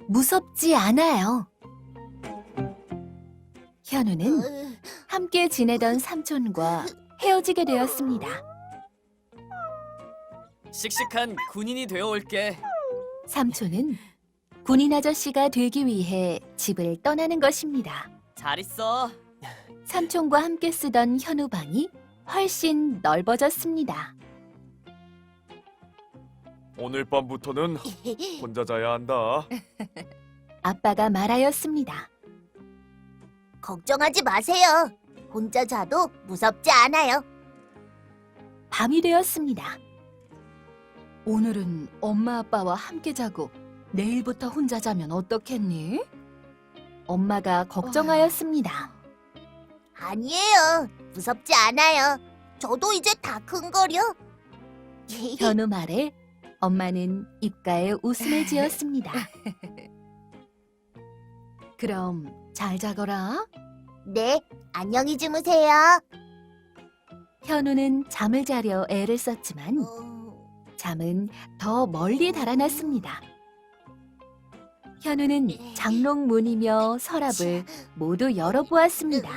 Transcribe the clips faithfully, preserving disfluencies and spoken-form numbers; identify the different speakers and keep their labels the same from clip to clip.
Speaker 1: 무섭지 않아요. 현우는 함께 지내던 삼촌과 헤어지게 되었습니다.
Speaker 2: 씩씩한 군인이 되어올게.
Speaker 1: 삼촌은 군인 아저씨가 되기 위해 집을 떠나는 것입니다.
Speaker 2: 잘 있어.
Speaker 1: 삼촌과 함께 쓰던 현우 방이 훨씬 넓어졌습니다.
Speaker 3: 오늘 밤부터는 혼자 자야 한다.
Speaker 1: 아빠가 말하였습니다.
Speaker 4: 걱정하지 마세요. 혼자 자도 무섭지 않아요.
Speaker 1: 밤이 되었습니다. 오늘은 엄마 아빠와 함께 자고 내일부터 혼자 자면 어떻겠니? 엄마가 걱정하였습니다.
Speaker 4: 아니에요. 무섭지 않아요. 저도 이제 다 큰거려.
Speaker 1: 현우 말에 엄마는 입가에 웃음을 지었습니다. 그럼 잘 자거라.
Speaker 4: 네, 안녕히 주무세요.
Speaker 1: 현우는 잠을 자려 애를 썼지만
Speaker 4: 어,
Speaker 1: 잠은 더 멀리 달아났습니다. 현우는 장롱문이며 서랍을 모두 열어보았습니다.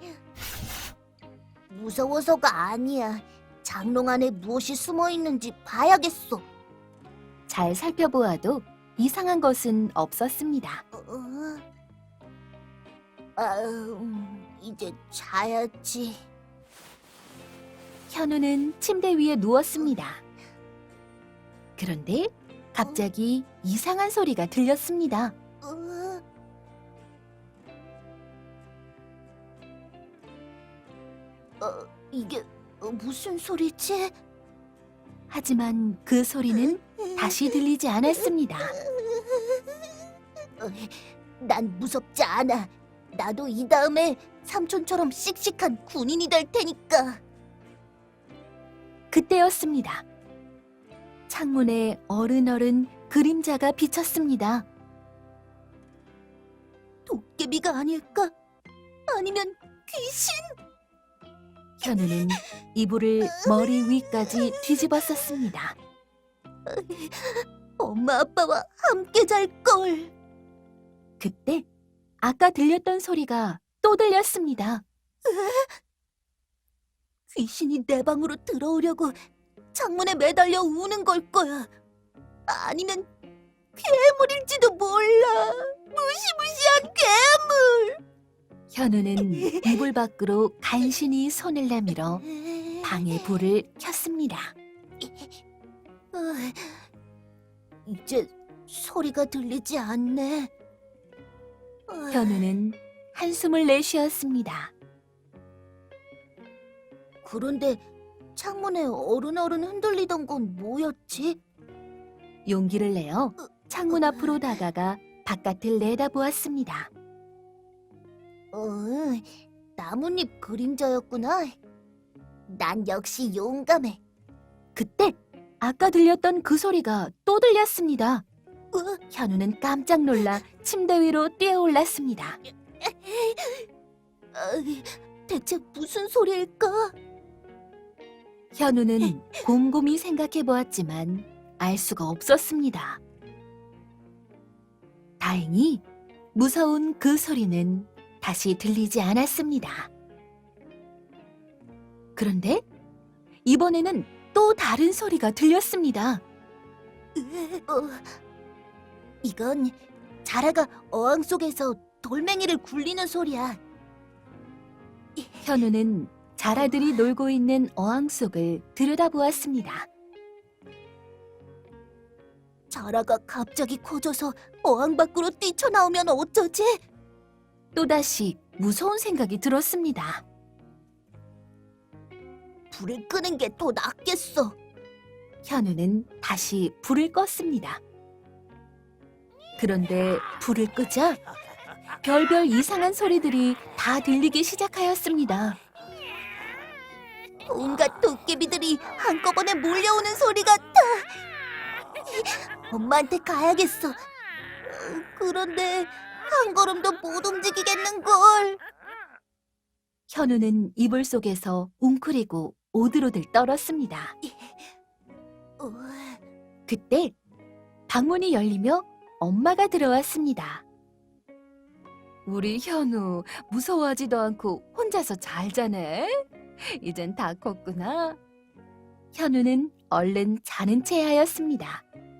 Speaker 4: 무서워서가 아니야. 장롱 안에 무엇이 숨어 있는지 봐야겠어.
Speaker 1: 잘 살펴보아도 이상한 것은 없었습니다.
Speaker 4: 어, 아, 음, 이제 자야지.
Speaker 1: 현우는 침대 위에 누웠습니다. 그런데 갑자기 이상한 소리가 들렸습니다.
Speaker 4: 어, 어, 이게 어, 무슨 소리지?
Speaker 1: 하지만 그 소리는 다시 들리지 않았습니다.
Speaker 4: 어, 난 무섭지 않아. 나도 이 다음에 삼촌처럼 씩씩한 군인이 될 테니까.
Speaker 1: 그때였습니다. 창문에 어른어른 그림자가 비쳤습니다.
Speaker 4: 도깨비가 아닐까? 아니면 귀신?
Speaker 1: 현우는 이불을 머리 위까지 뒤집었었습니다.
Speaker 4: 엄마 아빠와 함께 잘 걸.
Speaker 1: 그때 아까 들렸던 소리가 또 들렸습니다.
Speaker 4: 귀신이 내 방으로 들어오려고 창문에 매달려 우는 걸 거야. 아니면 괴물일지도 몰라. 무시무시한 괴물.
Speaker 1: 현우는 이불 밖으로 간신히 손을 내밀어 방에 불을 켰습니다.
Speaker 4: 어, 이제 소리가 들리지 않네. 어,
Speaker 1: 현우는 한숨을 내쉬었습니다.
Speaker 4: 그런데 창문에 어른어른 흔들리던 건 뭐였지?
Speaker 1: 용기를 내어 창문 앞으로 다가가 바깥을 내다보았습니다.
Speaker 4: 어, 나뭇잎 그림자였구나. 난 역시 용감해.
Speaker 1: 그때 아까 들렸던 그 소리가 또 들렸습니다.
Speaker 4: 어,
Speaker 1: 현우는 깜짝 놀라 침대 위로 뛰어올랐습니다.
Speaker 4: 어, 대체 무슨 소리일까?
Speaker 1: 현우는 곰곰이 생각해 보았지만 알 수가 없었습니다. 다행히 무서운 그 소리는 다시 들리지 않았습니다. 그런데 이번에는 또 다른 소리가 들렸습니다.
Speaker 4: 어, 이건 자라가 어항 속에서 돌멩이를 굴리는 소리야.
Speaker 1: 현우는 자라들이 놀고 있는 어항 속을 들여다보았습니다.
Speaker 4: 자라가 갑자기 커져서 어항 밖으로 뛰쳐나오면 어쩌지?
Speaker 1: 또다시 무서운 생각이 들었습니다.
Speaker 4: 불을 끄는 게 더 낫겠어.
Speaker 1: 현우는 다시 불을 껐습니다. 그런데 불을 끄자 별별 이상한 소리들이 다 들리기 시작하였습니다.
Speaker 4: 온갖 도깨비들이 한꺼번에 몰려오는 소리 같아. 엄마한테 가야겠어. 어, 그런데 한 걸음도 못 움직이겠는걸.
Speaker 1: 현우는 이불 속에서 웅크리고 오들오들 떨었습니다.
Speaker 4: 어,
Speaker 1: 그때 방문이 열리며 엄마가 들어왔습니다. 우리 현우 무서워하지도 않고 혼자서 잘 자네. 이젠 다 컸구나. 현우는 얼른 자는 체하였습니다.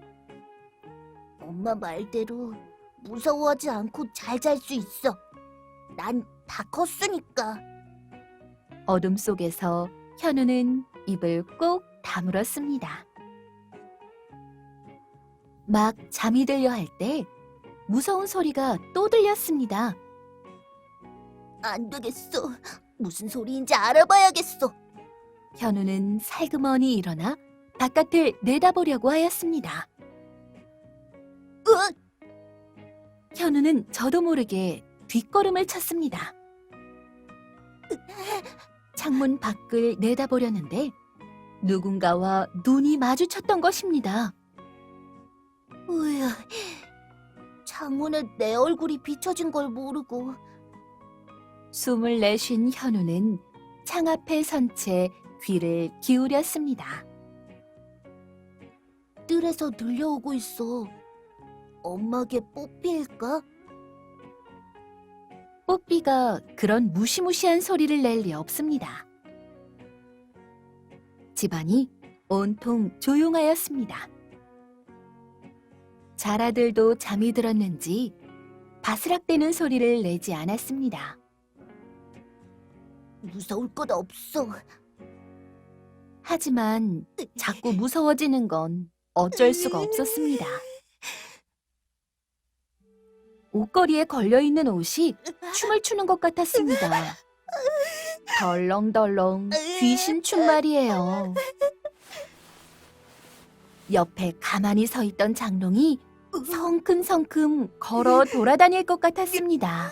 Speaker 4: 엄마 말대로 무서워하지 않고 잘 잘 수 있어. 난 다 컸으니까.
Speaker 1: 어둠 속에서 현우는 입을 꼭 다물었습니다. 막 잠이 들려 할 때 무서운 소리가 또 들렸습니다.
Speaker 4: 안 되겠어. 무슨 소리인지 알아봐야겠어.
Speaker 1: 현우는 살그머니 일어나 바깥을 내다보려고 하였습니다.
Speaker 4: 으악!
Speaker 1: 현우는 저도 모르게 뒷걸음을 쳤습니다. 창문 밖을 내다보려는데 누군가와 눈이 마주쳤던 것입니다.
Speaker 4: 으야, 창문에 내 얼굴이 비춰진 걸 모르고
Speaker 1: 숨을 내쉰 현우는 창 앞에 선 채 귀를 기울였습니다.
Speaker 4: 뜰에서 들려오고 있어. 엄마게 뽀삐일까?
Speaker 1: 뽀삐가 그런 무시무시한 소리를 낼 리 없습니다. 집안이 온통 조용하였습니다. 자라들도 잠이 들었는지 바스락대는 소리를 내지 않았습니다.
Speaker 4: 무서울 것 없어.
Speaker 1: 하지만 자꾸 무서워지는 건 어쩔 수가 없었습니다. 옷걸이에 걸려있는 옷이 춤을 추는 것 같았습니다. 덜렁덜렁 귀신춤 말이에요. 옆에 가만히 서 있던 장롱이 성큼성큼 걸어 돌아다닐 것 같았습니다.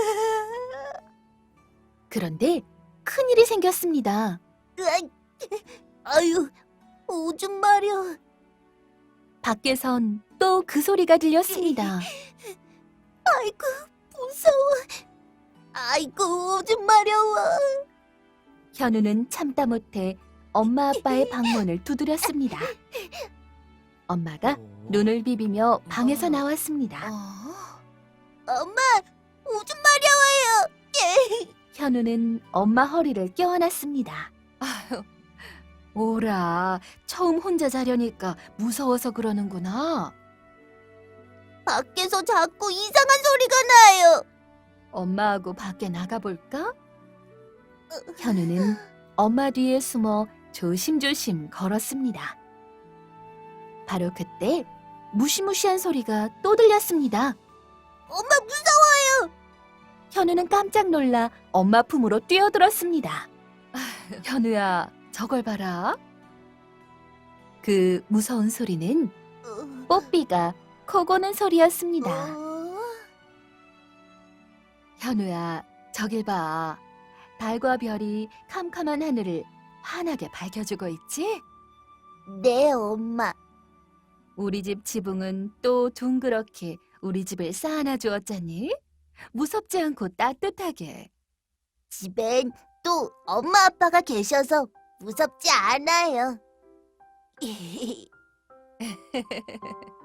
Speaker 1: 그런데 큰일이 생겼습니다.
Speaker 4: 으악! 아유, 오줌 마려.
Speaker 1: 밖에선 또 그 소리가 들렸습니다.
Speaker 4: 아이고, 무서워. 아이고, 오줌 마려워.
Speaker 1: 현우는 참다 못해 엄마 아빠의 방문을 두드렸습니다. 엄마가 눈을 비비며 방에서 나왔습니다.
Speaker 4: 엄마, 오줌 마려워요.
Speaker 1: 현우는 엄마 허리를 껴안았습니다. 아휴, 오라, 처음 혼자 자려니까 무서워서 그러는구나.
Speaker 4: 밖에서 자꾸 이상한 소리가 나요.
Speaker 1: 엄마하고 밖에 나가볼까? 현우는 엄마 뒤에 숨어 조심조심 걸었습니다. 바로 그때 무시무시한 소리가 또 들렸습니다.
Speaker 4: 엄마 무서워요.
Speaker 1: 현우는 깜짝 놀라 엄마 품으로 뛰어들었습니다. 현우야, 저걸 봐라. 그 무서운 소리는 뽀삐가 코 고는 소리였습니다.
Speaker 4: 어?
Speaker 1: 현우야, 저길 봐. 달과 별이 캄캄한 하늘을 환하게 밝혀주고 있지?
Speaker 4: 네, 엄마.
Speaker 1: 우리 집 지붕은 또 둥그렇게 우리 집을 쌓아놔 주었잖니? 무섭지 않고 따뜻하게.
Speaker 4: 집엔 또 엄마 아빠가 계셔서 무섭지 않아요.